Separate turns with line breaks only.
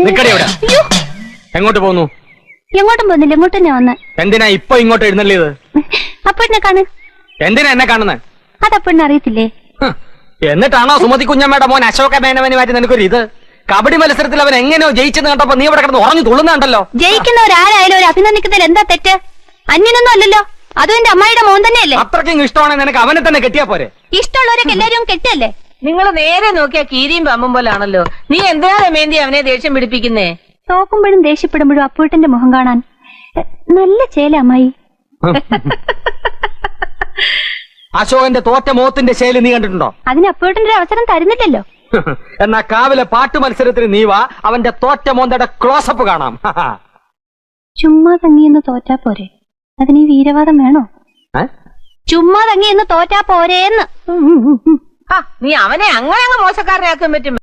നിക്കടി അവിടെ. എങ്ങോട്ട് പോന്നു?
എങ്ങോട്ടും പോകുന്നില്ല, ഇങ്ങോട്ട് തന്നെ വന്ന്.
എന്തിനാ ഇപ്പൊ ഇങ്ങോട്ട് എഴുന്നള്ളിയത്?
അപ്പഴിനെ കാണ്.
എന്തിനാ എന്നെ കാണുന്നത്?
അതപ്പഴിനെ അറിയത്തില്ലേ?
എന്നിട്ടാണോ സുമതി കുഞ്ഞമ്മയുടെ മോൻ അശോക മേനവന് മാറ്റി നിനക്കൊരു ഇത്? കബഡി മത്സരത്തിൽ അവൻ എങ്ങനെയോ ജയിച്ചെന്ന് കണ്ടപ്പോ നീ ഇവിടെ കിടന്ന് ഉറങ്ങി തുള്ളുന്നുണ്ടല്ലോ.
ജയിക്കുന്നവരാരായാലും ഒരു അഭിനന്ദിക്കുന്നതിൽ എന്താ തെറ്റ്? അന്യനൊന്നും അല്ലല്ലോ, അതും എന്റെ അമ്മായിയുടെ മോൻ തന്നെയല്ലേ.
അത്രയ്ക്കും ഇഷ്ടമാണെങ്കിൽ നിനക്ക് അവനെ തന്നെ കെട്ടിയാ പോരെ?
ഇഷ്ടമുള്ളവരൊക്കെ എല്ലാരും കെട്ടല്ലേ?
നിങ്ങൾ നേരെ നോക്കിയാ കീരിയും പമ്പും പോലാണല്ലോ. നീ എന്തിനാ രമേന്തി അവനെ ദേഷ്യം പിടിപ്പിക്കുന്നേ?
നോക്കുമ്പോഴും ദേഷ്യപ്പെടുമ്പോഴും അപ്പൂട്ടന്റെ മുഖം കാണാൻ നല്ല ചേല അമ്മായി.
അശോകന്റെ തോറ്റ മോത്തിന്റെ ശൈലി നീ കണ്ടിട്ടുണ്ടോ?
അതിന് അപ്പൂട്ടന്റെ ഒരു അവസരം തരുന്നില്ലല്ലോ.
എന്നാ കാവിലെ പാട്ട് മത്സരത്തിന് നീ വാ, അവന്റെ തോറ്റ മോന്തയുടെ ക്ലോസപ്പ് കാണാം.
ചുമ്മാ തങ്ങിയെന്ന് തോറ്റാ പോരെ, അതിന് ഈ വീരവാദം വേണോ? ചുമ്മാ തങ്ങിയെന്ന് തോറ്റാ പോരേന്ന്.
നീ അവനെ അങ്ങനെ അങ്ങ് മോശക്കാരനാക്കാൻ പറ്റും.